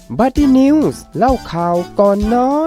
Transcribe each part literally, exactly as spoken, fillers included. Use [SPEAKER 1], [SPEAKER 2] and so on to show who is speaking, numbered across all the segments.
[SPEAKER 1] บัดดี้นิวส์เล่าข่าวก่อนนอน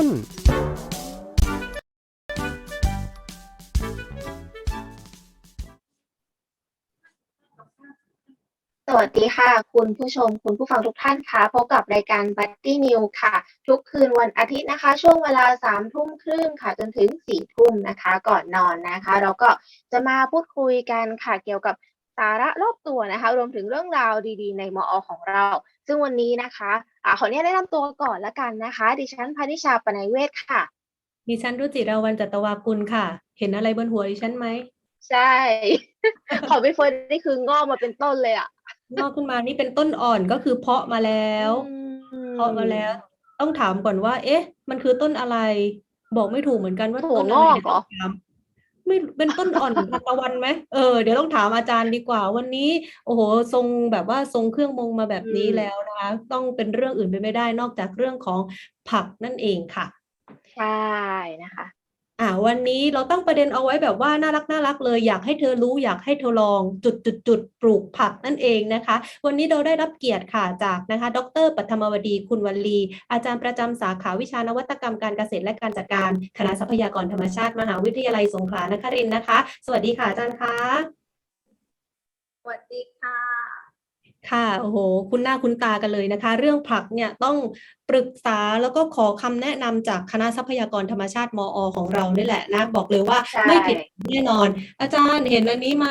[SPEAKER 2] สวัสดีค่ะคุณผู้ชมคุณผู้ฟังทุกท่านค่ะพบกับรายการ Buddy News ค่ะทุกคืนวันอาทิตย์นะคะช่วงเวลาสามทุ่มครึ่งค่ะจนถึงสี่ทุ่มนะคะก่อนนอนนะคะเราก็จะมาพูดคุยกันค่ะเกี่ยวกับสาระรอบตัวนะคะรวมถึงเรื่องราวดีๆในมอของเราซึ่งวันนี้นะคะอ่าขออนุญาตแนะนำตัวก่อนละกันนะคะดิฉันพนิชาปนัยเวศค่ะ
[SPEAKER 3] ดิฉันรุจิราวัลย์จัตวากุลค่ะ เห็นอะไรบนหัวดิฉันไหม
[SPEAKER 2] ใช่ ของพี่เฟิร์นนี่คืองอกมาเป็นต้นเลยอ่ะ
[SPEAKER 3] งอกขึ้นมานี่เป็นต้นอ่อนก็คือเพาะมาแล้ว
[SPEAKER 2] อื
[SPEAKER 3] เพาะมาแล้ว
[SPEAKER 2] ม
[SPEAKER 3] ต้องถามก่อนว่า เอ๊ะ มันคือต้นอะไร บอกไม่ถูกเหมือนกันว่า
[SPEAKER 2] ถั่วง
[SPEAKER 3] ต้นอะไร
[SPEAKER 2] อกเหรอ
[SPEAKER 3] เดี๋ยวต้องถาม ไม่เป็นต้นอ่อนทานตะวันไหมเออเดี๋ยวต้องถามอาจารย์ดีกว่าวันนี้โอ้โหทรงแบบว่าทรงเครื่องมงมาแบบ
[SPEAKER 2] อื
[SPEAKER 3] นี้
[SPEAKER 2] ม
[SPEAKER 3] แล้วนะคะต้องเป็นเรื่องอื่นไปไม่ได้นอกจากเรื่องของผักนั่นเองค่ะ
[SPEAKER 2] ใช่นะคะ
[SPEAKER 3] อ่าวันนี้เราตั้งประเด็นเอาไว้แบบว่าน่ารักน่ารักเลยอยากให้เธอรู้อยากให้เธอลองจุดจุดจุดปลูกผักนั่นเองนะคะวันนี้เราได้รับเกียรติค่ะจากนะคะดรปัทมวดีคุณวลีอาจารย์ประจำสาขาวิชานวัตกรรมการเกษตรและการจัดการคณะทรัพยากรธรรมชาติมหาวิทยาลัยสงขลานครินทร์นะคะสวัสดีค่ะอาจารย์คะ
[SPEAKER 4] สวัสดีค่ะ
[SPEAKER 3] ค่ะโอ้โหคุณหน้าคุณตากันเลยนะคะเรื่องผักเนี่ยต้องปรึกษาแล้วก็ขอคำแนะนำจากคณะทรัพยากรธรรมชาติมอของเรานี่แหละนะบอกเลยว่า
[SPEAKER 2] ใช่
[SPEAKER 3] ไม่ผิดแน่นอนอาจารย์เห็นอันนี้ไหม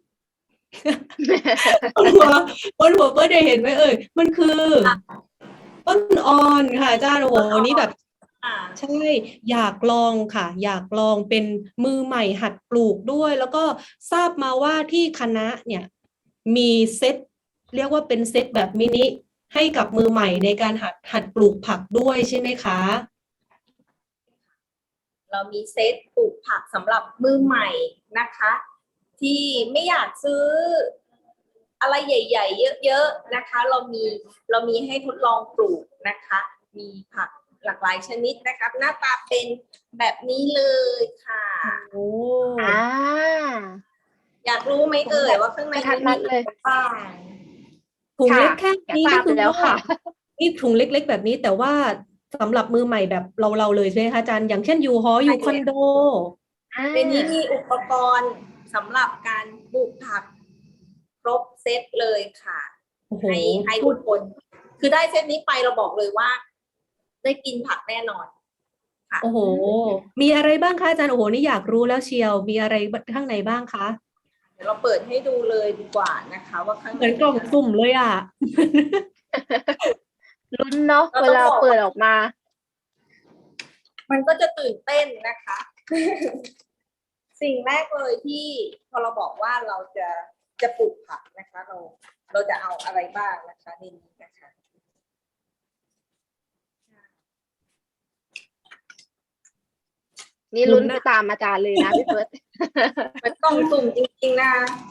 [SPEAKER 3] บนหัวบนหัวเพื่อได้เห็นไหมเอ่ยมันคือต้นอ่อนค่ะอาจารย์โอ้โหนี่แบบ
[SPEAKER 4] อ่า
[SPEAKER 3] ใช่อยากลองค่ะอยากลองเป็นมือใหม่หัดปลูกด้วย แล้วก็ทราบมาว่าที่คณะเนี่ยมีเซตเรียกว่าเป็นเซตแบบมินิให้กับมือใหม่ในการหัดหัดปลูกผักด้วยใช่ไหมคะ
[SPEAKER 4] เรามีเซตปลูกผักสำหรับมือใหม่นะคะ ที่ไม่อยากซื้ออะไรใหญ่ๆเยอะๆนะคะ เรามีเรามีให้ทดลองปลูกนะคะ มีผักหลากหลายชนิดนะคะหน้าตาเป็นแบบนี้เลยค่ะ
[SPEAKER 3] โอ้
[SPEAKER 2] อ่า
[SPEAKER 4] อยากรู้ไหมเอ่ยว่าข้างใน
[SPEAKER 2] กระทัดรัดเลย
[SPEAKER 4] มีอะไรบ้าง
[SPEAKER 3] ถุง
[SPEAKER 2] ค่ะ
[SPEAKER 3] เล็กแค่
[SPEAKER 2] อยาก
[SPEAKER 3] นี้
[SPEAKER 2] ทรา
[SPEAKER 3] ก็
[SPEAKER 2] บ
[SPEAKER 3] คือ
[SPEAKER 2] แล้ว
[SPEAKER 3] ว่า
[SPEAKER 2] ค่ะ
[SPEAKER 3] นี่ถุงเล็กๆแบบนี้แต่ว่าสำหรับมือใหม่แบบเราเราเลยใช่ไหมคะอาจารย์อย่างเช่นอยู่หออยู่คอนโด
[SPEAKER 2] อ่า
[SPEAKER 4] ในนี้มีอุปกรณ์สำหรับการปลูกผักครบเซตเลยค่ะ
[SPEAKER 3] โอ้โห
[SPEAKER 4] ให้ให้ทุกคน คือได้เซตนี้ไปเราบอกเลยว่า ได้กินผักแน่นอนค่ะ
[SPEAKER 3] โอ้โห มีอะไรบ้างคะอาจารย์โอ้โหนี่อยากรู้แล้วเชียวมีอะไรข้างในบ้างคะ
[SPEAKER 4] เดี๋ยวเราเปิดให้ดูเลยดีกว่านะคะ ว่าข้าง
[SPEAKER 3] เหมือนกล่องสุ่มเลยอ่ะ
[SPEAKER 2] ลุ้นเนาะเวลาเปิดออกมา
[SPEAKER 4] มันก็จะตื่นเต้นนะคะ สิ่งแรกเลยที่พอเราบอกว่าเราจะจะปลูกผักนะคะ เราเราจะเอาอะไรบ้างนะคะในนี้นะคะ
[SPEAKER 2] นี่ลุ้นไปตามอาจารย์เลยนะพี่เฟิร์ส
[SPEAKER 4] มันต้องสุ่มจริงๆนะ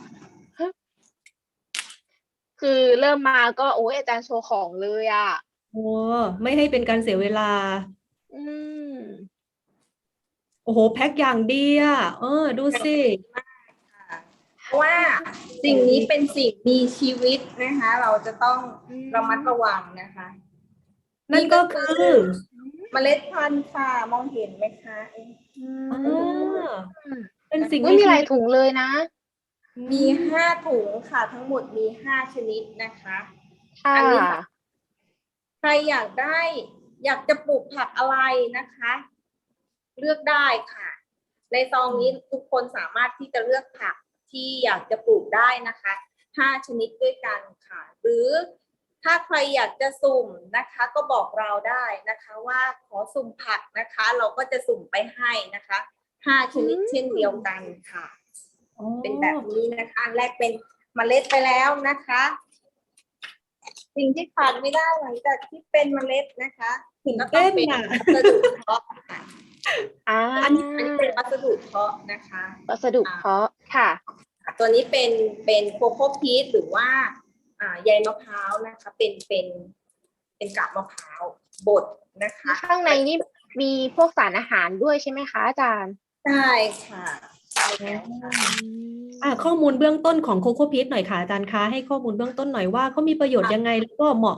[SPEAKER 2] คือเริ่มมาก็โอ้ยอาจารย์โชว์ของเลยอ่ะ
[SPEAKER 3] โอ้ไม่ให้เป็นการเสียเวลา
[SPEAKER 2] อืม
[SPEAKER 3] โอ้โหแพ็คอย่างดีอ่ะเออดูสิ
[SPEAKER 4] เพราะว่าสิ่งนี้เป็นสิ่งมีชีวิตนะคะ เราจะต้อง
[SPEAKER 2] อืม
[SPEAKER 4] ระมัดระวังนะคะ
[SPEAKER 3] นั่นก็คือ
[SPEAKER 4] เมล็ดพันธุ์ค่ะมองเห็นไหมคะ
[SPEAKER 2] อื
[SPEAKER 3] อ่า
[SPEAKER 2] ม
[SPEAKER 3] เป็นสิ่ง
[SPEAKER 2] อุ๊ยมีหลาย
[SPEAKER 3] ชีวิต
[SPEAKER 2] ถุงเลยนะ
[SPEAKER 4] มีห้าถุงค่ะ ทั้งหมดมีห้าชนิดนะคะ
[SPEAKER 2] ค่ะ
[SPEAKER 4] อันนี้ค่ะ ใครอยากได้ อยากจะปลูกผักอะไรนะคะ เลือกได้ค่ะ ในซองนี้ทุกคนสามารถที่จะเลือกผักที่อยากจะปลูกได้นะคะห้าชนิดด้วยกันค่ะ หรือถ้าใครอยากจะสุ่มนะคะ ก็บอกเราได้นะคะ ว่าขอสุ่มผักนะคะ เราก็จะสุ่มไปให้นะคะห้าชนิด
[SPEAKER 2] อืม
[SPEAKER 4] เช่นเดียวกันค่ะ
[SPEAKER 3] อ๋อ
[SPEAKER 4] เป็นแบบนี้นะคะอันแรกเป็นเมล็ดไปแล้วนะคะ สิ่งที่ขาดไม่ได้หลังจากที่เป็นเมล็ดนะคะ
[SPEAKER 3] ตื่น
[SPEAKER 4] ก็ต้อ
[SPEAKER 3] เต้
[SPEAKER 4] ง
[SPEAKER 3] น
[SPEAKER 4] เป็น
[SPEAKER 3] อ่ะ
[SPEAKER 4] วัสดุเพาะค่ะ
[SPEAKER 2] อ่า
[SPEAKER 4] อันนี้อันนี้เป็นวัสดุเพาะนะคะ
[SPEAKER 2] วัสดุเพาะค่ะ
[SPEAKER 4] ตัวนี้เป็นเป็นโคโค่พีชหรือว่าอ่าใยมะพร้าวนะคะ เป็นเป็นเป็นกาบมะพร้าวบดนะคะ
[SPEAKER 2] ข้างในนี่มีพวกสารอาหารด้วยใช่ไหมคะอาจารย์
[SPEAKER 4] ใช่ค่ะใช่แล้วค่ะ
[SPEAKER 3] อ่าข้อมูลเบื้องต้นของโคโค่พีชหน่อยค่ะอาจารย์คะให้ข้อมูลเบื้องต้นหน่อยว่าเขามีประโยชน์ยังไงแล้วก็เหมาะกับ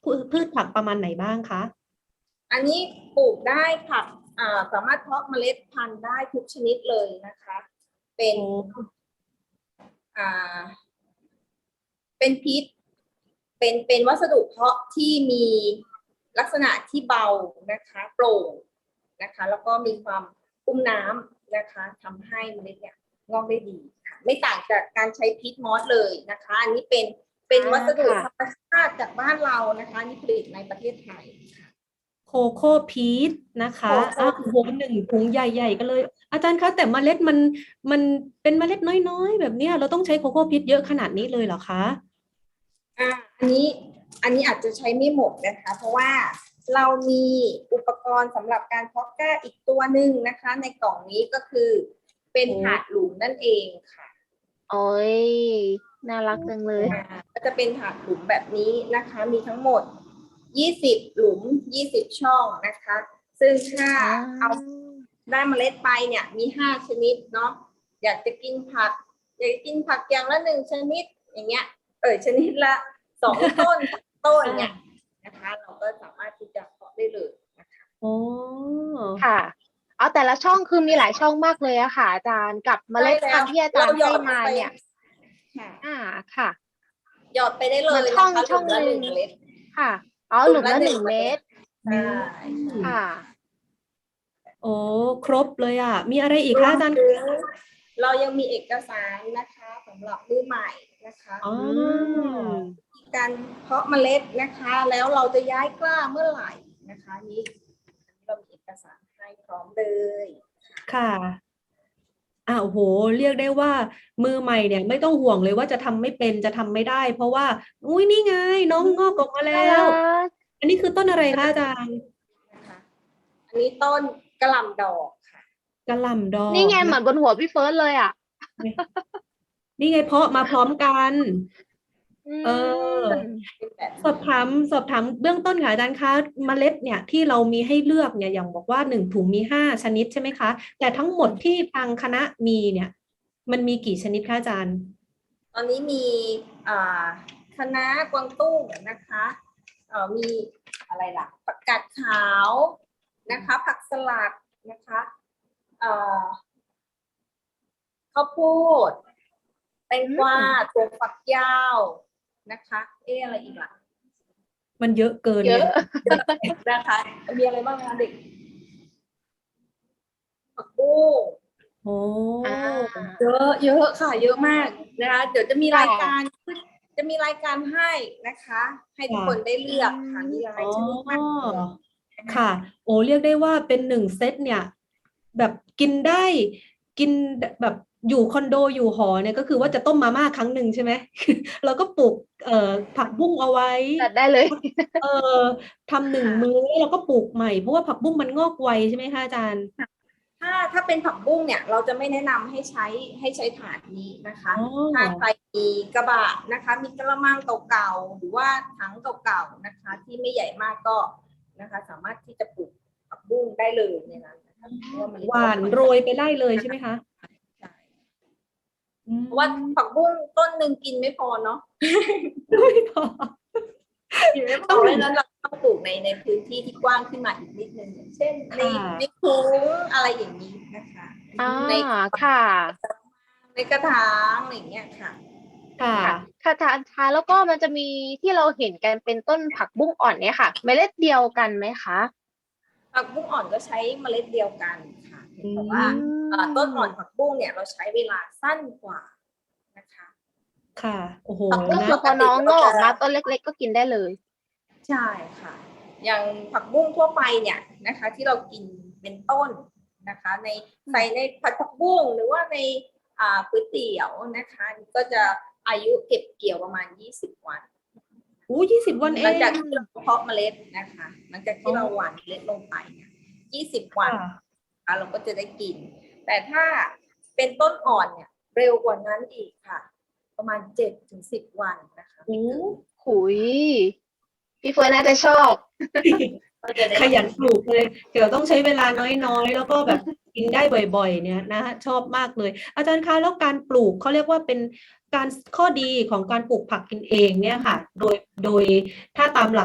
[SPEAKER 3] พืชพืชผักประมาณไหนบ้างคะ
[SPEAKER 4] อันนี้ปลูกได้ผักอ่าสามารถเพาะเมล็ดพันธุ์ได้ทุกชนิดเลยนะคะ เป็น
[SPEAKER 3] โอ้
[SPEAKER 4] อ่า เป็นพิษ เป็นเป็นวัสดุเพาะที่มีลักษณะที่เบานะคะโปร่งนะคะ แล้วก็มีความอุ้มน้ำนะคะทำให้เมล็ดเนี่ยงอกได้ดีค่ะไม่ต่างจากการใช้พีทมอสเลยนะคะ อันนี้เป็นเป็นวัสดุธรรมชาติจากบ้านเรานะคะนี่ผลิตในประเทศไทยค่ะ
[SPEAKER 3] โคโค่พีชนะคะ
[SPEAKER 4] โคโค่
[SPEAKER 3] อ้าวโหหนึ่งถุงใหญ่ๆกันเลย อาจารย์คะแต่เมล็ดมันมันเป็นเมล็ดน้อยๆ แบบเนี้ยเราต้องใช้โคโค่พีชเยอะขนาดนี้เลยเหรอคะ
[SPEAKER 4] อ่าอันนี้อันนี้อาจจะใช้ไม่หมดนะคะ เพราะว่าเรามีอุปกรณ์สำหรับการเพาะกล้าอีกตัวหนึ่งนะคะ ในกล่องนี้ก็คือเป็น
[SPEAKER 3] โอ้
[SPEAKER 4] ถาดหลุมนั่นเองค่ะ
[SPEAKER 2] โอ้ยน่ารักจังเลย
[SPEAKER 4] อ่าก็จะเป็นถาดหลุมแบบนี้นะคะ มีทั้งหมดยี่สิบหลุมยี่สิบช่องนะคะ ซึ่งถ้าเอาได้เมล็ดไปเนี่ยมีห้าชนิดเนาะอยากจะกินผักอยากจะกินผักอย่างละหนึ่งชนิดอย่างเงี้ยเออชนิดละสองต้นต้นเนี่ยนะคะเราก็สามารถที่จะเพาะได้เลยนะคะ
[SPEAKER 3] โอ้
[SPEAKER 2] ค่ะ เอาแต่ละช่องคือมีหลายช่องมากเลยอะค่ะ อาจารย์กับเมล็ดพันธุ์ที่อาจารย์ให้มาเนี่ย
[SPEAKER 4] ค่ะ
[SPEAKER 2] อ่าค่ะ
[SPEAKER 4] หยอดไปได้เล
[SPEAKER 2] เหมื
[SPEAKER 4] ย
[SPEAKER 2] อนช่อง
[SPEAKER 4] นะคะ
[SPEAKER 2] ช่อง
[SPEAKER 4] หลุมละ
[SPEAKER 2] ห
[SPEAKER 4] ห
[SPEAKER 2] นึ่
[SPEAKER 4] นึ่
[SPEAKER 2] ง
[SPEAKER 4] งเมล็ด
[SPEAKER 2] ค่ะอ๋อหลุมละหนึ่งเมตร
[SPEAKER 4] ใช่
[SPEAKER 2] ค่ะ
[SPEAKER 3] โอ้ครบเลยอ่ะ มีอะไรอีกคะอาจารย์
[SPEAKER 4] เรายังมีเอกสารนะคะสำหรับมือใหม่นะคะ
[SPEAKER 3] อ๋อ
[SPEAKER 4] การเพาะเมล็ดนะคะ แล้วเราจะย้ายกล้าเมื่อไหร่นะคะนี้เรามีเอกสารให้พร้อมเลย
[SPEAKER 3] ค่ะอ่าโอ้โห เรียกได้ว่ามือใหม่เนี่ยไม่ต้องห่วงเลยว่าจะทำไม่เป็นจะทำไม่ได้ เพราะว่าอุ้ยนี่ไงน้องงอกออกมาแล้
[SPEAKER 2] น่าว รัก
[SPEAKER 3] อันนี้คือต้นอะไรคะอาจารย์
[SPEAKER 4] นะคะอันนี้ต้นกระหล่ำดอกค่ะ
[SPEAKER 3] กะหล่ำดอก
[SPEAKER 2] นี่ไง
[SPEAKER 3] ะ
[SPEAKER 2] เหมือนบนหัวพี่เฟิร์สเลยอ่ะ
[SPEAKER 3] นี่ไงเพาะมาพร้อมกัน เออ
[SPEAKER 2] ม
[SPEAKER 4] เป็นแบบ
[SPEAKER 3] สอบถามสอบถามเบื้องต้นค่ะอาจารย์คะเมล็ดเนี่ยที่เรามีให้เลือกเนี่ยอย่างบอกว่าหนึ่งถุงมีห้าชนิดใช่ไหมคะ แต่ทั้งหมดที่ทางคณะมีเนี่ย มันมีกี่ชนิดคะอาจารย์
[SPEAKER 4] ตอนนี้มีอ่าคะน้ากวางตุ้งนะคะเอ่อมีอะไรล่ะผักกาดขาวนะคะ ผักสลัดนะคะเอ่อข้าวโพดแตงกวาถั่วฝักยาวนะคะ เอ๊ะอะไรอีกล่ะ
[SPEAKER 3] มันเยอะเกิน
[SPEAKER 2] เย
[SPEAKER 3] เนี่
[SPEAKER 2] อะ
[SPEAKER 3] ย
[SPEAKER 4] นะคะมีอะไรบ้างคะเด็กผักบุ้ง
[SPEAKER 3] โอ้
[SPEAKER 2] อ่า
[SPEAKER 4] เยอะเยอะค่ะ เยอะมากนะคะ เดี๋ยวจะมีรายการจะมีรายการให้นะคะ ให้ทุกคนได้เลือกค่ะมีหลายชนิดมากเลย
[SPEAKER 3] ค่ะ โอ้เรียกได้ว่าเป็นหนึ่งเซตเนี่ย แบบกินได้กินแบบอยู่คอนโดอยู่หอเนี่ยก็คือว่าจะต้มมาม่าครั้งหนึ่งใช่ไหม เราก็ปลูกเอ่อผักบุ้งเอาไว้
[SPEAKER 2] จัดได้เลย
[SPEAKER 3] เออทำหนึ่งมื้อแล้วเราก็ปลูกใหม่เพราะว่าผักบุ้งมันงอกไวใช่ไหมคะอาจารย์
[SPEAKER 4] ถ้าถ้าเป็นผักบุ้งเนี่ยเราจะไม่แนะนำให้ใช้ให้ใช้ถาดนี้นะคะ
[SPEAKER 3] อ๋อ
[SPEAKER 4] ถ้าใครมีกระบะนะคะ มีกระมังเก่าๆหรือว่าถังเก่าๆนะคะ ที่ไม่ใหญ่มากก็นะคะ สามารถที่จะปลูกผักบุ้งได้เลยในนั้นนะคะเพราะว่ามัน
[SPEAKER 3] หวานโรยไปได้เลยใช่ไหมคะ
[SPEAKER 4] ใช่
[SPEAKER 3] อืม
[SPEAKER 4] เพราะว่าผักบุ้งต้นหนึ่งกินไม่พอเนาะ
[SPEAKER 3] ไม่พอ
[SPEAKER 4] กินไม่พอเพราะฉะนั้นเราต้องปลูกในในพื้นที่ที่กว้างขึ้นมาอีกนิดนึงอย่างเช่นใน
[SPEAKER 3] ค่ะ
[SPEAKER 4] ในถุงอะไรอย่างนี้นะคะ
[SPEAKER 2] อ่า
[SPEAKER 4] ใน
[SPEAKER 2] ค่ะ
[SPEAKER 4] ในกระถางอะไรอย่างเงี้ยค่ะ
[SPEAKER 3] ค่ะ
[SPEAKER 2] ค่ะค่ะอาจารย์คะแล้วก็มันจะมีที่เราเห็นกันเป็นต้นผักบุ้งอ่อนเนี่ยค่ะ เมล็ดเดียวกันไหมคะ
[SPEAKER 4] ผักบุ้งอ่อนก็ใช้เมล็ดเดียวกันค่ะ
[SPEAKER 3] อืม
[SPEAKER 4] แต่ว่าเอ่อต้นอ่อนผักบุ้งเนี่ยเราใช้เวลาสั้นกว่านะคะ
[SPEAKER 3] ค่ะ โอ้โห
[SPEAKER 2] ก็
[SPEAKER 3] นะ
[SPEAKER 2] คือพอน้องงอกออกมาต้นเล็กๆก็กินได้เลย
[SPEAKER 4] ใช่ค่ะ อย่างผักบุ้งทั่วไปเนี่ยนะคะ ที่เรากินเป็นต้นนะคะ ในใส่ในผัดผักบุ้งหรือว่าในอ่าก๋วยเตี๋ยวนะคะ ก็จะอายุเก็บเกี่ยวประมาณยี่สิบวัน
[SPEAKER 3] โอ้ยี่สิบวันเอ
[SPEAKER 4] หลัง
[SPEAKER 3] ง
[SPEAKER 4] จากที่เราเพาะเมล็ดนะคะหลังจากที่เราหว่านเมล็ดลงไปเนี่ยยี่สิบวัน
[SPEAKER 3] ค่ะ
[SPEAKER 4] นะคะเราก็จะได้กิน แต่ถ้าเป็นต้นอ่อนเนี่ยเร็วกว่านั้นอีกค่ะ ประมาณเจ็ดถึงสิบวันนะคะ
[SPEAKER 3] โอ้
[SPEAKER 2] ขุยพี่เฟิร์นน่าจะชอบ
[SPEAKER 4] ก็จะได้
[SPEAKER 3] ขยันปลูกเลย เดี๋ยวต้องใช้เวลาน้อยๆ แล้วก็แบบกินได้บ่อยๆ เนี่ยนะฮะชอบมากเลย อาจารย์คะแล้วการปลูกเขาเรียกว่าเป็นการข้อดีของการปลูกผักกินเองเนี่ยค่ะ โดยโดยถ้าตามหลัก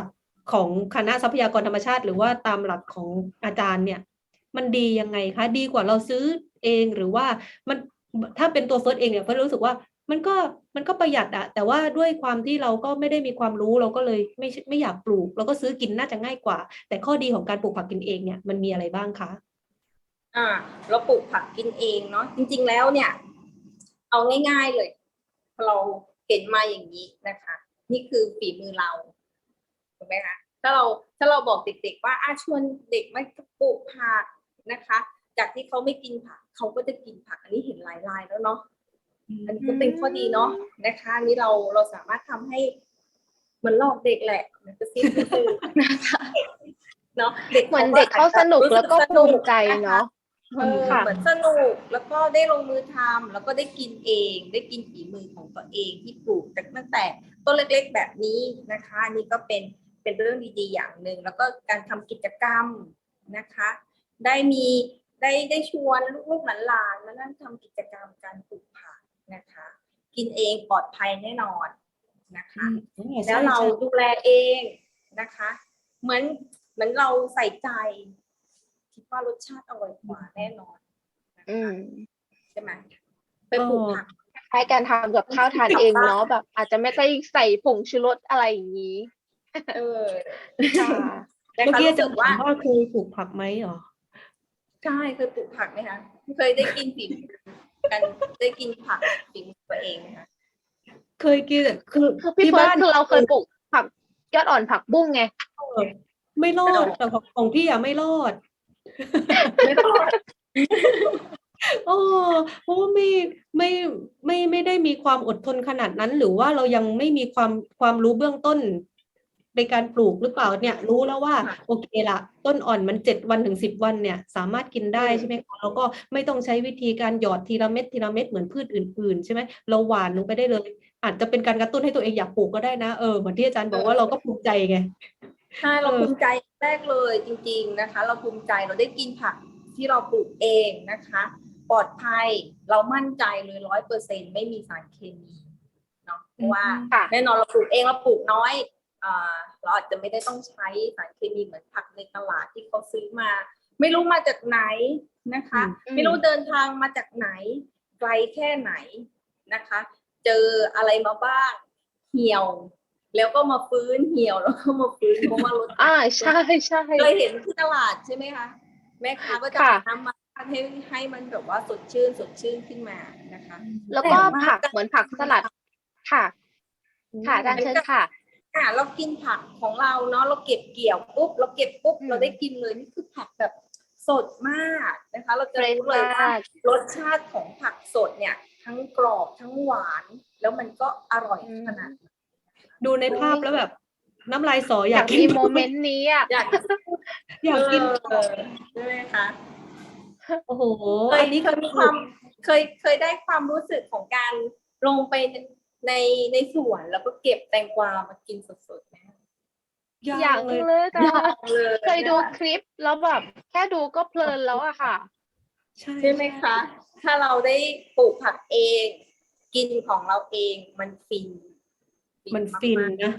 [SPEAKER 3] ของคณะทรัพยากรธรรมชาติ หรือว่าตามหลักของอาจารย์เนี่ยมันดียังไงคะดีกว่าเราซื้อเองหรือว่ามันถ้าเป็นตัวเฟิร์สเองเนี่ยเฟิร์สรู้สึกว่ามันก็มันก็ประหยัดอะแต่ว่าด้วยความที่เราก็ไม่ได้มีความรู้เราก็เลยไม่ไม่อยากปลูกเราก็ซื้อกินน่าจะง่ายกว่าแต่ข้อดีของการปลูกผักกินเองเนี่ยมันมีอะไรบ้างคะ
[SPEAKER 4] อ่าเราปลูกผักกินเองเนาะจริงๆแล้วเนี่ยเอาง่ายๆเลยเราเห็นมาอย่างนี้นะคะ นี่คือฝีมือเราถูกไหมคะถ้าเราถ้าเราบอกเด็กๆว่าอาชวนเด็กมาปลูกผักนะคะ จากที่เขาไม่กินผักเขาก็จะกินผักอันนี้เห็นหลายรายแล้วเนาะอันนี้ก็เป็นข้อดีเนาะนะคะนี่เราเราสามารถทำให้เหมือนหลอกเด็กแหละมันจะซิ้นซื่อนะคะเนาะเด็ก
[SPEAKER 2] เหมือนเด็กเขาสนุกแล้วก็ภูมิใจเนาะ
[SPEAKER 4] เออเหมือนสนุกแล้วก็ได้ลงมือทำแล้วก็ได้กินเองได้กินฝีมือของตัวเองที่ปลูกตั้งแต่ต้นเล็กๆแบบนี้นะคะนี่ก็เป็นเป็นเรื่องดีๆอย่างหนึ่งแล้วก็การทำกิจกรรมนะคะได้มีได้ได้ชวนลูกๆหลานๆมานั่งทำกิจกรรมการปลูกผักนะคะกินเองปลอดภัยแน่นอนนะคะแล้วเราดูแลเองนะคะเหมือนเหมือนเราใส่ใจคิดว่ารสชาติอร่อยกว่าแน่นอนนะคะใช่ไหมไปปลูกผัก
[SPEAKER 2] คล้ายการทำกับข้าวทานเองเนาะแบบอาจจะไม่ได้ใส่ผงชูรสอะไรอย่างนี้
[SPEAKER 4] เออ
[SPEAKER 2] ค่ะ
[SPEAKER 3] เมื่อกี้จะถามว่าเคยปลูกผักไหมหรอ
[SPEAKER 4] ใช่เคยปลูกผักไหมคะเคยได้กินฝีมือกันได้กินผักฝีมือตัวเองไหมคะ
[SPEAKER 3] เคยกินคือ
[SPEAKER 2] คือพี่เฟิร์สคือเราเคยปลูกผักยอดอ่อนผักบุ้งไง
[SPEAKER 3] ไม่รอดแต่ของพี่อะไม่รอด
[SPEAKER 4] ไม่รอด
[SPEAKER 3] โอ้เพราะว่าไม่ไม่ไม่ไม่ได้มีความอดทนขนาดนั้นหรือว่าเรายังไม่มีความความรู้เบื้องต้นในการปลูกหรือเปล่าเนี่ยรู้แล้วว่าโอเคละต้นอ่อนมันเจ็ดวันถึงสิบวันเนี่ยสามารถกินได้ใช่ไหมคะแล้วก็ไม่ต้องใช้วิธีการหยอดทีละเม็ดทีละเม็ดเหมือนพืชอื่นๆใช่ไหมเราหว่านลงไปได้เลยอาจจะเป็นการกระตุ้นให้ตัวเองอยากปลูกก็ได้นะเออเหมือนที่อาจารย์บอกว่าเราก็ภูมิใจไง
[SPEAKER 4] ใช่เราภูมิใจแรกเลยจริงๆนะคะเราภูมิใจเราได้กินผักที่เราปลูกเองนะคะปลอดภัยเรามั่นใจเลยร้อยเปอร์เซ็นต์ไม่มีสารเคมีเนาะเพราะว่าแน่นอนเราปลูกเองเราปลูกน้อยอ่าเราอาจจะไม่ได้ต้องใช้สารเคมีเหมือนผักในตลาดที่เขาซื้อมาไม่รู้มาจากไหนนะคะไม่รู้เดินทางมาจากไหนไกลแค่ไหนนะคะเจออะไรมาบ้างเหี่ยวแล้วก็มาฟื้นเหี่ยวแล้วก็มาฟื้นเพราะว่ารส
[SPEAKER 2] อ่าใช่ใช่
[SPEAKER 4] เคยเห็นที่ตลาดใช่ไหมคะแม่ค้าก็จะทำมาให้ให้มันแบบว่าสดชื่นสดชื่นขึ้นมานะคะ
[SPEAKER 2] แล้วก็ผักเหมือนผักสลัดค่ะค่ะอาจารย์เชิญค่ะ
[SPEAKER 4] อ่าเรากินผักของเราเนาะเราเก็บเกี่ยวปุ๊บเราเก็บปุ๊บเราได้กินเลยนี่คือผักแบบสดมากนะคะเราจะรู้เลยว่ารสชาติของผักสดเนี่ยทั้งกรอบทั้งหวานแล้วมันก็อร่อยขนาด
[SPEAKER 3] ดูในภาพแล้วแบบน้ำลายสออยาก
[SPEAKER 2] มีโมเมนต์นี้อ่ะ
[SPEAKER 4] อยาก
[SPEAKER 3] อยากกิน
[SPEAKER 4] ใช่ไหมคะ
[SPEAKER 3] โอ้โห
[SPEAKER 4] อันนี้เคยมีความเคยเคยได้ความรู้สึกของการลงไปในในสวนแล้วก็เก็บแตงกวามากินสดๆนะ
[SPEAKER 2] อยากเลยแต่เคยดูคลิปแล้วแบบแค่ดูก็เพลินแล้วอะค่ะ
[SPEAKER 4] ใช่ไหมคะถ้าเราได้ปลูกผักเองกินของเราเองมันฟิน
[SPEAKER 3] มันฟินนะ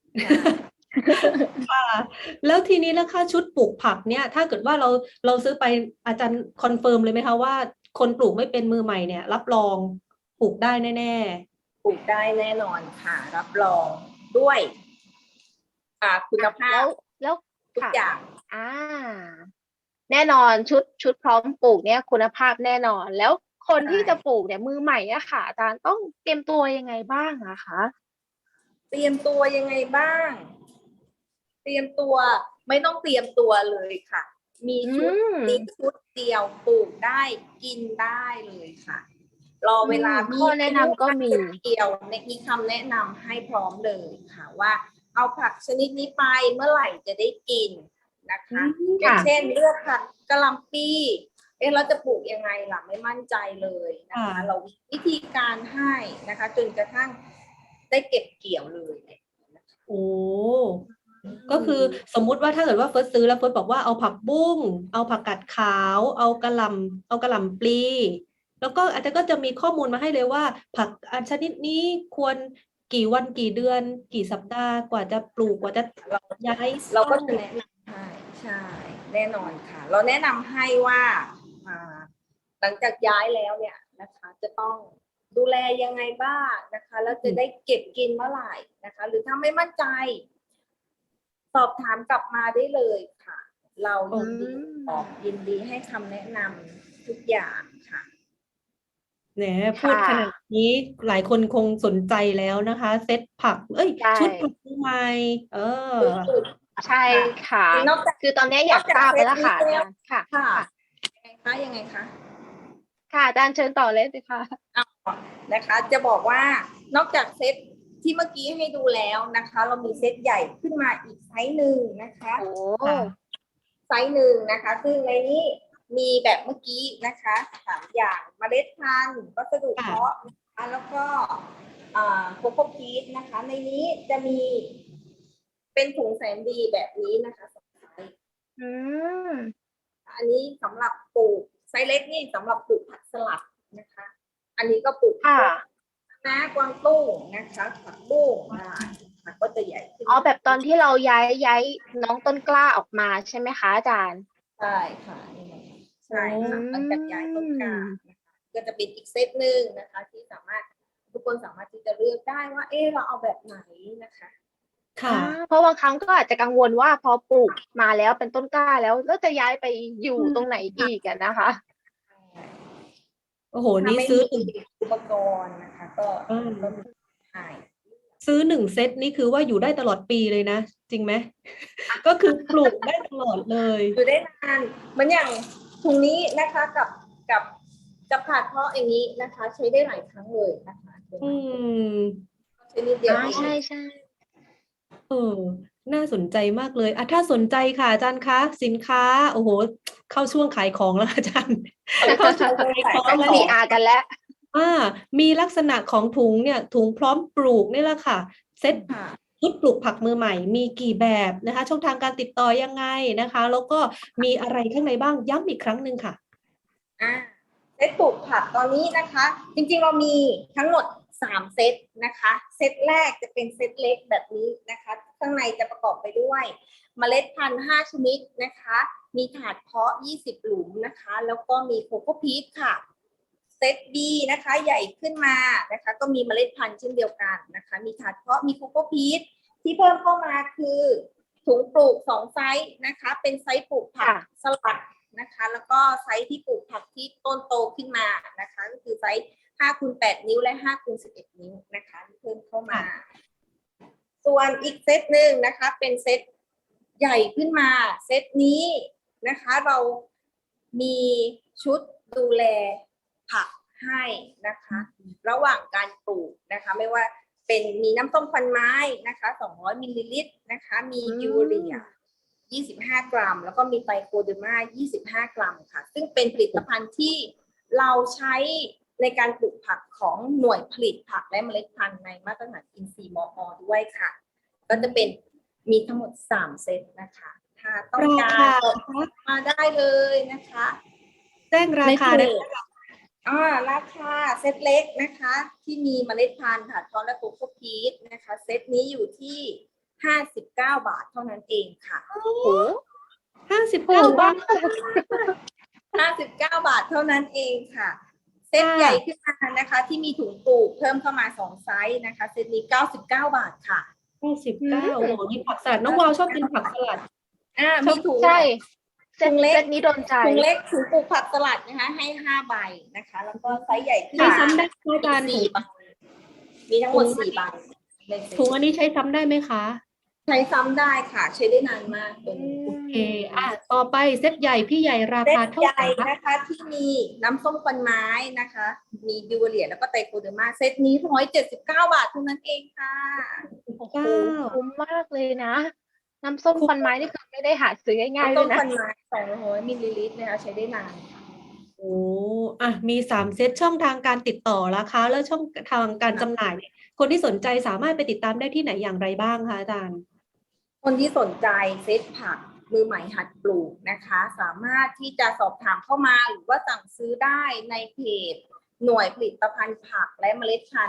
[SPEAKER 3] ค่ะแล้วทีนี้แล้วค่าชุดปลูกผักเนี่ยถ้าเกิดว่าเราเราซื้อไปอาจารย์คอนเฟิร์มเลยไหมคะว่าคนปลูกไม่เป็นมือใหม่เนี่ยรับรองปลูกได้แน่
[SPEAKER 4] ๆปลูกได้แน่นอนค่ะรับรองด้วยอ่าคุณภาพ
[SPEAKER 2] แล้ว
[SPEAKER 4] ทุกอย่าง
[SPEAKER 2] อ่าแน่นอนชุดชุดพร้อมปลูกเนี่ยคุณภาพแน่นอนแล้วคนที่จะปลูกเนี่ยมือใหม่อะค่ะอาจารย์ต้องเตรียมตัวยังไงบ้างอะคะ
[SPEAKER 4] เตรียมตัวยังไงบ้างเตรียมตัวไม่ต้องเตรียมตัวเลยค่ะมีชุดนี้ชุดเดียวปลูกได้กินได้เลยค่ะรอเวลา
[SPEAKER 2] ข้อแนะนำก็มี
[SPEAKER 4] เดียวในมีคำแนะนำให้พร้อมเลยค่ะว่าเอาผักชนิดนี้ไปเมื่อไหร่จะได้กินนะคะอย่างเช่นเลือกผักกะหล่ำปีเอ๊ะเราจะปลูกยังไงล่ะไม่มั่นใจเลยนะคะเราวิธีการให้นะคะจนกระทั่งได้เก็บเกี่ยวเลย
[SPEAKER 3] โอ้ก็คือสมมุติว่าถ้าเกิดว่าเฟิร์สซื้อแล้วเฟิร์สบอกว่าเอาผักบุ้งเอาผักกาดขาวเอากะหล่ำเอากะหล่ำปลีแล้วก็อาจจะก็จะมีข้อมูลมาให้เลยว่าผักอันชนิดนี้ควรกี่วันกี่เดือน กี่สัปดาห์กว่าจะปลูกกว่าจะ
[SPEAKER 4] เรา
[SPEAKER 3] ย้าย
[SPEAKER 4] เราก็
[SPEAKER 3] ต้น
[SPEAKER 4] จะแนะนำให้ใช่แน่นอนค่ะ เราแนะนำให้ว่าอ่าหลังจากย้ายแล้วเนี่ยนะคะ จะต้องดูแลยังไงบ้างนะคะ แล้วจะได้เก็บกินเมื่อไหร่นะคะ หรือถ้าไม่มั่นใจ สอบถามกลับมาได้เลยค่ะ เรายินดีตอบยินดีให้คำแนะนำทุกอย่างค่ะ
[SPEAKER 3] แหมพูดขนาดนี้หลายคนคงสนใจแล้วนะคะ เซตผัก เอ้ย
[SPEAKER 2] ใช่
[SPEAKER 3] ชุดผักมือใหม่เออ
[SPEAKER 2] ใช่ค่ะ
[SPEAKER 4] นอกจาก
[SPEAKER 2] คือตอนนี้อยากทราบแล้วล่ะค่ะอาจารย์ค่ะ
[SPEAKER 4] ค่ะ
[SPEAKER 2] ค่ะ
[SPEAKER 4] ยังไงคะยังไงคะ
[SPEAKER 2] ค่ะอาจารย์เชิญต่อเลยสิค่ะ
[SPEAKER 4] เอานะคะจะบอกว่านอกจากเซตที่เมื่อกี้ให้ดูแล้วนะคะ เรามีเซตใหญ่ขึ้นมาอีกไซส์หนึ่งนะคะ
[SPEAKER 2] โอ้
[SPEAKER 3] ค่ะ
[SPEAKER 4] ไซส์หนึ่งนะคะซึ่งในนี้มีแบบเมื่อกี้นะคะสามอย่างเมล็ดพันธุ์วัสดุเพาะนะคะแล้วก็โคโค่พีชนะคะ ในนี้จะมีเป็นถุงแสนดีแบบนี้นะคะสองไซส์
[SPEAKER 2] อืม
[SPEAKER 4] อันนี้สำหรับปลูกไซส์เล็กนี่สำหรับปลูกผักสลัดนะคะ อันนี้ก็ปลูก
[SPEAKER 2] ค่ะ
[SPEAKER 4] นะกวางตุ้งนะคะผักบุ้งได้ผักก็จะใหญ่ขึ้น
[SPEAKER 2] อ๋อแบบตอนที่เราย้ายย้ายน้องต้นกล้าออกมาใช่ไหมคะอาจารย์
[SPEAKER 4] ใช่ค่ะนี่ไงใช่ค่ะ
[SPEAKER 2] อืม
[SPEAKER 4] หลังจากย้ายต้นกล้านะคะก็จะเป็นอีกเซตหนึ่งนะคะ ที่สามารถทุกคนสามารถที่จะเลือกได้ว่า เออเราเอาแบบไหนนะคะ
[SPEAKER 3] ค่ะ
[SPEAKER 2] อ่าเพราะบางครั้งก็อาจจะกังวลว่าพอปลูกมาแล้วเป็นต้นกล้าแล้วแล้วจะย้ายไปอยู่ตรงไหนอีกอะนะคะ
[SPEAKER 3] โอ้โห
[SPEAKER 4] ถ้า
[SPEAKER 3] นี่
[SPEAKER 4] ไม่
[SPEAKER 3] ซื้อ
[SPEAKER 4] มีอุปกรณ์นะคะ ก็
[SPEAKER 3] อืม
[SPEAKER 4] ก็ใช่
[SPEAKER 3] ซื้อหนึ่งเซตนี่คือว่าอยู่ได้ตลอดปีเลยนะ จริงไหม ก็คือปลูกได้ตลอดเลย
[SPEAKER 4] อยู่ได้นานเหมือนอย่างถุงนี้นะคะกับกับกับถาดเพาะอย่างนี้นะคะ ใช้ได้หลายครั้งเลยนะคะ
[SPEAKER 3] อืม
[SPEAKER 4] ใช้นิดเดียว
[SPEAKER 2] อ่า
[SPEAKER 4] เอง
[SPEAKER 2] ใช่ใช่
[SPEAKER 3] เออ น่าสนใจมากเลยอ่ะถ้าสนใจค่ะอาจารย์คะสินค้า โอ้โห เข้าช่วงขายของแล้วอาจารย์ เข้าช่วงขายของ
[SPEAKER 2] ต้อง
[SPEAKER 3] แล้ว
[SPEAKER 2] พี อาร์ กันแล้ว
[SPEAKER 3] อ่ามีลักษณะของถุงเนี่ย ถุงพร้อมปลูกนี่แหละค่ะ เซ็ต
[SPEAKER 4] ค่ะ
[SPEAKER 3] ชุดปลูกผักมือใหม่มีกี่แบบนะคะ ช่องทางการติดต่อยังไงนะคะ แล้วก็มีอะไรข้างในบ้างย้ำอีกครั้งหนึ่งค่ะ
[SPEAKER 4] อ่าเซตปลูกผักตอนนี้นะคะ จริงๆเรามีทั้งหมดสามเซตนะคะ เซตแรกจะเป็นเซตเล็กแบบนี้นะคะ ข้างในจะประกอบไปด้วยเมล็ดพันธุ์ห้าชนิดนะคะ มีถาดเพาะยี่สิบหลุมนะคะ แล้วก็มีโคโค่พีชค่ะ เซต B นะคะใหญ่ขึ้นมานะคะ ก็มีเมล็ดพันธุ์เช่นเดียวกันนะคะ มีถาดเพาะมีโคโค่พีชที่เพิ่มเข้ามาคือถุงปลูกสองไซส์นะคะ เป็นไซส์ปลูกผัก
[SPEAKER 2] ค่ะ
[SPEAKER 4] สลัดนะคะ แล้วก็ไซส์ที่ปลูกผักที่ต้นโตขึ้นมานะคะ ก็คือไซส์ห้าคูณแปดนิ้วและห้าคูณสิบเอ็ดนิ้วนะคะที่เพิ่มเข้ามา ส่วนอีกเซตหนึ่งนะคะ เป็นเซตใหญ่ขึ้นมา เซตนี้นะคะ เรามีชุดดูแลผักให้นะคะ ระหว่างการปลูกนะคะ ไม่ว่าเป็นมีน้ำส้มควันไม้นะคะสองร้อยมิลลิลิตรนะคะ มี
[SPEAKER 2] อืม
[SPEAKER 4] ยูเรียยี่สิบห้ากรัม แล้วก็มีไตรโคเดอร์มายี่สิบห้ากรัมค่ะ ซึ่งเป็นผลิตภัณฑ์ที่เราใช้ในการปลูกผักของหน่วยผลิตผักและเมล็ดพันธุ์ในมาตรฐานอินทรีย์มอ ด้วยค่ะ ก็จะเป็นมีทั้งหมดสามเซตนะคะ ถ้าต้องการ
[SPEAKER 3] ราคา
[SPEAKER 4] มาได้เลยนะคะ
[SPEAKER 3] แจ้งราคา
[SPEAKER 4] ใน
[SPEAKER 3] ได้
[SPEAKER 4] เพจอ่าราคาเซตเล็กนะคะ ที่มีเมล็ดพันธุ์ถาดเพาะและโคโค่พีชนะคะ เซตนี้อยู่ที่ห้าสิบเก้าบาทเท่านั้นเองค่ะ
[SPEAKER 2] โอ้โห
[SPEAKER 3] ห้าสิบ
[SPEAKER 2] ถู
[SPEAKER 3] เก้าก บาท
[SPEAKER 2] มาก
[SPEAKER 4] ห้าสิบเก้าบาทเท่านั้นเองค่ะ เซต
[SPEAKER 3] ค่ะ
[SPEAKER 4] ใหญ่ขึ้นมานะคะ ที่มีถุงปลูกเพิ่มเข้ามาสองไซส์นะคะ เซตนี้เก้าสิบเก้าบาทค่ะ
[SPEAKER 3] ห้าสิบเก้าโอ้โหนี่ผักสลัดน้องวาวชอบกินผักสลัด
[SPEAKER 4] อ่ามีถุง
[SPEAKER 2] ใช่เซ
[SPEAKER 4] ถุ
[SPEAKER 2] ต
[SPEAKER 4] งเล็ก
[SPEAKER 2] เซตนี้โดนใจ
[SPEAKER 4] ถุงเล็กถุงปลูกผักสลัดนะคะ ให้ห้าใบนะคะ แล้วก็ไซส์ใหญ่ขึ้น
[SPEAKER 3] ใช้
[SPEAKER 4] มา
[SPEAKER 3] ซ้ำได้ไหมอาจารย์
[SPEAKER 4] สี่ใบมีทั้งหมดสี่ใบในเซต
[SPEAKER 3] ถุงอันนี้ใช้ซ้ำได้ไหมคะ
[SPEAKER 4] ใช้ซ้ำได้ค่ะ ใช้ได้นานมากตัวนี้
[SPEAKER 3] โอเคอ่ะต่อไปเซตใหญ่พี่ใหญ่รา
[SPEAKER 4] เซ
[SPEAKER 3] คา
[SPEAKER 4] ต
[SPEAKER 3] เท่า
[SPEAKER 4] ให
[SPEAKER 3] ไหร่
[SPEAKER 4] ญ่
[SPEAKER 3] คะ
[SPEAKER 4] นะคะที่มีน้ำส้มควันไม้นะคะ มีบิวเลียแล้วก็ไตรโคเดอร์มาเซตนี้ร้อยเจ็ดสิบเก้าบาทเท่านั้นเองค่ะ
[SPEAKER 2] โอ้โห
[SPEAKER 3] เก้า
[SPEAKER 2] คุ้มมากเลยนะ น้ำส้มควันไม้นี่คือไม่ได้หาซื้อง่ายๆเล
[SPEAKER 4] น้ำส้
[SPEAKER 2] ย
[SPEAKER 4] ม
[SPEAKER 2] นะ
[SPEAKER 4] ควันไม้สองร้อยมิลลิลิตรนะคะใช้ได้นาน
[SPEAKER 3] โอ้อ่ะมีสามเซตช่องทางการติดต่อราคาแล้วช่องทางการจำหน่ายเนี่ยคนที่สนใจสามารถไปติดตามได้ที่ไหนอย่างไรบ้างคะอาจารย์
[SPEAKER 4] คนที่สนใจเซตผักมือใหม่หัดปลูกนะคะ สามารถที่จะสอบถามเข้ามาหรือว่าสั่งซื้อได้ในเพจหน่วยผลิตภัณฑ์ผักและเมล็ดพันธุ์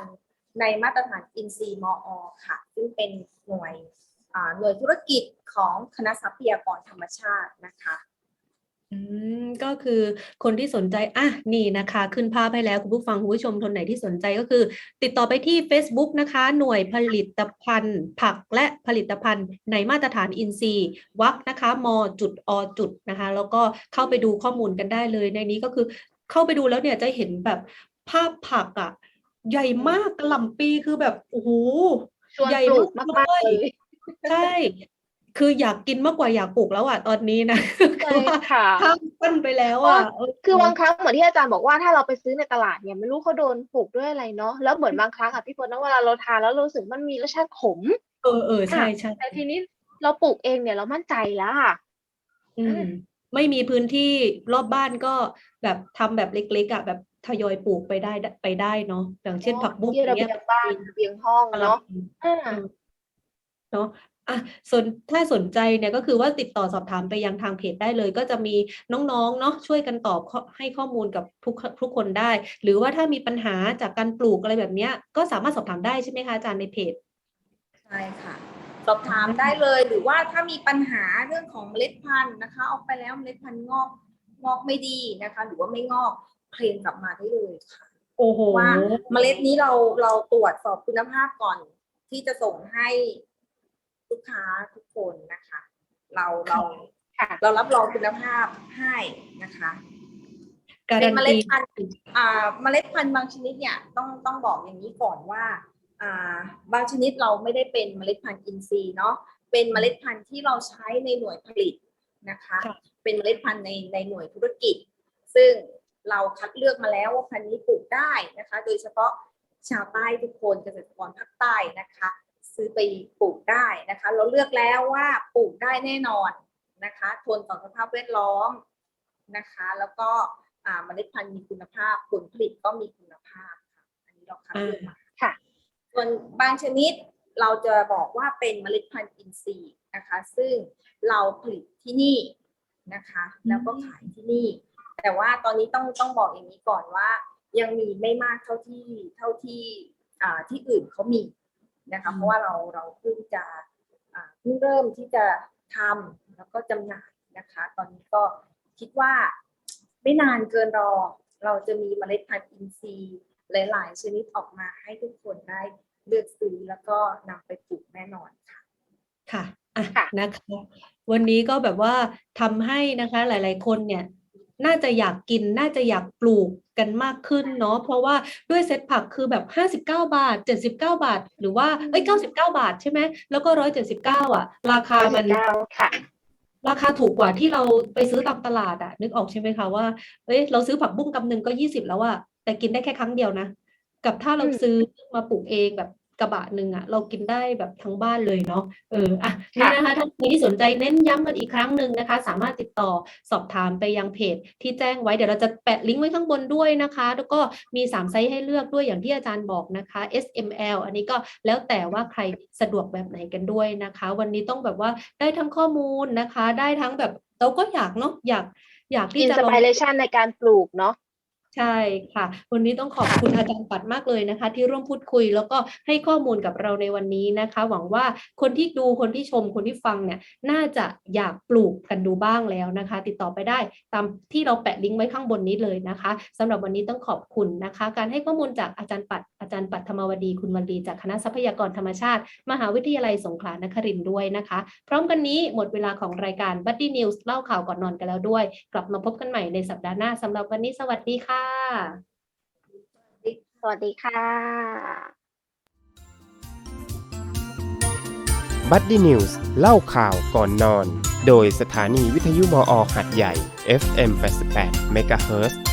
[SPEAKER 4] ในมาตรฐานอินซีย์มอ ค่ะซึ่งเป็นหน่วยอ่าหน่วยธุรกิจของคณะทรัพยากรธรรมชาตินะคะ
[SPEAKER 3] อืมก็คือคนที่สนใจอ่ะนี่นะคะขึ้นภาพให้แล้วคุณผู้ฟังคุณผู้ชมคนไหนที่สนใจก็คือ ติดต่อไปที่ Facebook นะคะ หน่วยผลิตภัณฑ์ ผักและผลิตภัณฑ์ในมาตรฐานอินทรีย์วรรคนะคะมจุดอจุดนะคะแล้วก็เข้าไปดูข้อมูลกันได้เลยในนี้ก็คือเข้าไปดูแล้วเนี่ยจะเห็นแบบภาพผักอ่ะใหญ่มากกะหล่ำปีคือแบบโอ้โห
[SPEAKER 2] ชวน
[SPEAKER 3] ใหญ่
[SPEAKER 2] ปลูก
[SPEAKER 3] มาก
[SPEAKER 2] มากๆ
[SPEAKER 3] เล
[SPEAKER 2] เลย ย
[SPEAKER 3] ใช่ คืออยากกินมากกว่าอยากปลูกแล้วอ่ะตอนนี้นะ
[SPEAKER 2] ใช่
[SPEAKER 3] คือว่า
[SPEAKER 2] ค่ะ
[SPEAKER 3] ข้ามปั้นไปแล้ว
[SPEAKER 2] เพราะ
[SPEAKER 3] อ่ะ
[SPEAKER 2] ว่า
[SPEAKER 3] เออ
[SPEAKER 2] คือบางครั้งเหมือนที่อาจารย์บอกว่าถ้าเราไปซื้อในตลาดเนี่ยไม่รู้เขาโดนปลูกด้วยอะไรเนาะแล้วเหมือนบางครั้งอ่ะพี่ฝนนะเวลาเราทานแล้วเรารู้สึกมันมีรสชาติขม
[SPEAKER 3] เออเออใช่
[SPEAKER 2] อ่ะ
[SPEAKER 3] ใช่
[SPEAKER 2] แต่ทีนี้เราปลูกเองเนี่ยเรามั่นใจแล้วค่ะ
[SPEAKER 3] อื
[SPEAKER 2] อื
[SPEAKER 3] ม
[SPEAKER 2] ม
[SPEAKER 3] ไม่มีพื้นที่รอบบ้านก็แบบทำแบบเล็กๆอ่ะแบบทยอยปลูกไปได้ไปได้เนาะอย่างเช่น
[SPEAKER 2] เนาะ
[SPEAKER 3] ผักบุ้ง
[SPEAKER 2] ที่
[SPEAKER 3] อย่าง
[SPEAKER 2] ระ
[SPEAKER 3] เงี้
[SPEAKER 2] เบี
[SPEAKER 3] ย
[SPEAKER 2] ยงบ้านระเบียงห้อง
[SPEAKER 3] กะห
[SPEAKER 2] เนาะ
[SPEAKER 3] ล่ำปี
[SPEAKER 2] อ่า
[SPEAKER 3] เออเนาะอ่ะส่วนถ้าสนใจเนี่ยก็คือว่าติดต่อสอบถามไปยังทางเพจได้เลย ก็จะมีน้องๆเนาะช่วยกันตอบข้อให้ข้อมูลกับทุกทุกคนได้ หรือว่าถ้ามีปัญหาจากการปลูกอะไรแบบเนี้ยก็สามารถสอบถามได้ใช่ไหมคะอาจารย์ในเพจ
[SPEAKER 4] ใช่ค่ะ สอบถามได้เลยหรือว่าถ้ามีปัญหาเรื่องของเมล็ดพันธุ์นะคะออกไปแล้วเมล็ดพันธุ์งอกงอกไม่ดีนะคะ หรือว่าไม่งอกเคลมกลับมาได้เลยค่ะ
[SPEAKER 3] โอ้โห
[SPEAKER 4] ว่าเมล็ดนี้เราเราตรวจสอบคุณภาพก่อนที่จะส่งให้ลูกค้าทุกคนนะคะ เราเรา
[SPEAKER 2] ค่ะ
[SPEAKER 4] เรารับรองคุณภาพให้นะคะ
[SPEAKER 3] การั
[SPEAKER 4] เป็น
[SPEAKER 3] น
[SPEAKER 4] เมล็
[SPEAKER 3] ตี
[SPEAKER 4] ดพันธุ์อ่าเมล็ดพันธุ์บางชนิดเนี่ยต้องต้องบอกอย่างนี้ก่อนว่าอ่าบางชนิดเราไม่ได้เป็นเมล็ดพันธุ์อินทรีย์เนาะเป็นเมล็ดพันธุ์ที่เราใช้ในหน่วยผลิตนะคะ
[SPEAKER 3] ค่ะ
[SPEAKER 4] เป็นเมล็ดพันธุ์ในในหน่วยธุรกิจ ซึ่งเราคัดเลือกมาแล้วว่าพันธุ์นี้ปลูกได้นะคะ โดยเฉพาะชาวใต้ทุกคนเกษตรกรภาคใต้นะคะ ซื้อไปปลูกได้นะคะ เราเลือกแล้วว่าปลูกได้แน่นอนนะคะทนต่อสภาพแวดล้อมนะคะ แล้วก็อ่าเมล็ดพันธุ์มีคุณภาพผลผลิตก็มีคุณภาพค่ะอันนี้เราคัดเลือกมา
[SPEAKER 2] ค่ะ
[SPEAKER 4] ส่วนบางชนิดเราจะบอกว่าเป็นเมล็ดพันธุ์อินทรีย์นะคะ ซึ่งเราผลิตที่นี่นะคะ แล้วก็ขายที่นี่ แต่ว่าตอนนี้ต้องต้องบอกอย่างนี้ก่อนว่า ยังมีไม่มากเท่าที่เท่าที่อ่าที่อื่นเขามีนะคะ เพราะว่าเราเราเพิ่งจะอ่าเพิ่งเริ่มที่จะทำแล้วก็จำหน่ายนะคะ ตอนนี้ก็คิดว่าไม่นานเกินรอ เราจะมีเมล็ดพันธุ์อินทรีย์หลาย ๆ ชนิดออกมาให้ทุกคนได้เลือกซื้อแล้วก็นำไปปลูกแน่นอนค่ะ
[SPEAKER 3] ค่ะอ่ะ
[SPEAKER 2] ค่ะ
[SPEAKER 3] นะคะ วันนี้ก็แบบว่าทำให้นะคะหลาย ๆ คนเนี่ยน่าจะอยากกินน่าจะอยากปลูกกันมากขึ้นเนาะเพราะว่าด้วยเซ็ตผักคือแบบห้าสิบเก้าบาทเจ็ดสิบเก้าบาทหรือว่าเอ้ยเก้าสิบเก้าบาทใช่ไหมแล้วก็หนึ่งร้อยเจ็ดสิบเก้าอ่ะราคามัน
[SPEAKER 2] เก้าค่ะ
[SPEAKER 3] ราคาถูกกว่าที่เราไปซื้อตามตลาดอะนึกออกใช่ไหมคะว่าเอ้ยเราซื้อผักบุ้งกำหนึ่งก็ยี่สิบแล้วอะแต่กินได้แค่ครั้งเดียวนะกับถ้าเรา
[SPEAKER 2] อืม
[SPEAKER 3] ซื้อมาปลูกเองแบบกระบะหนึ่งอะเรากินได้แบบทั้งบ้านเลยเนาะเอออ่ะนี่
[SPEAKER 2] ค่ะ
[SPEAKER 3] นะคะท่านใครที่สนใจเน้นย้ำกันอีกครั้งหนึ่งนะคะ สามารถติดต่อสอบถามไปยังเพจที่แจ้งไว้เดี๋ยวเราจะแปะลิงก์ไว้ข้างบนด้วยนะคะ แล้วก็มีสามไซส์ให้เลือกด้วยอย่างที่อาจารย์บอกนะคะ เอส เอ็ม แอล อันนี้ก็แล้วแต่ว่าใครสะดวกแบบไหนกันด้วยนะคะ วันนี้ต้องแบบว่าได้ทั้งข้อมูลนะคะ ได้ทั้งแบบเราก็อยากเนาะอยากอยากที่
[SPEAKER 2] อิน
[SPEAKER 3] จะ
[SPEAKER 2] ส
[SPEAKER 3] ลอง
[SPEAKER 2] ปิเรชันในการปลูกเนาะ
[SPEAKER 3] ใช่ค่ะ วันนี้ต้องขอบคุณอาจารย์ปัดมากเลยนะคะ ที่ร่วมพูดคุยแล้วก็ให้ข้อมูลกับเราในวันนี้นะคะ หวังว่าคนที่ดูคนที่ชมคนที่ฟังเนี่ยน่าจะอยากปลูกกันดูบ้างแล้วนะคะ ติดต่อไปได้ตามที่เราแปะลิงก์ไว้ข้างบนนี้เลยนะคะสำหรับวันนี้ต้องขอบคุณนะคะ การให้ข้อมูลจากอาจารย์ปัดอาจารย์ปัดธรรมวดีคุณวลีจากคณะทรัพยากรธรรมชาติมหาวิทยาลัยสงขลานครินทร์ด้วยนะคะ พร้อมกันนี้หมดเวลาของรายการ Buddy News เล่าข่าวก่อนนอนกันแล้วด้วย กลับมาพบกันใหม่ในสัปดาห์หน้าสำหรับวันนี้สวัสดีค่ะ
[SPEAKER 2] สวัสดีค่ะ
[SPEAKER 1] บัดดี้นิวส์เล่าข่าวก่อนนอน โดยสถานีวิทยุมอ หัดใหญ่ เอฟ เอ็ม แปดสิบแปด เมกะเฮิรตซ์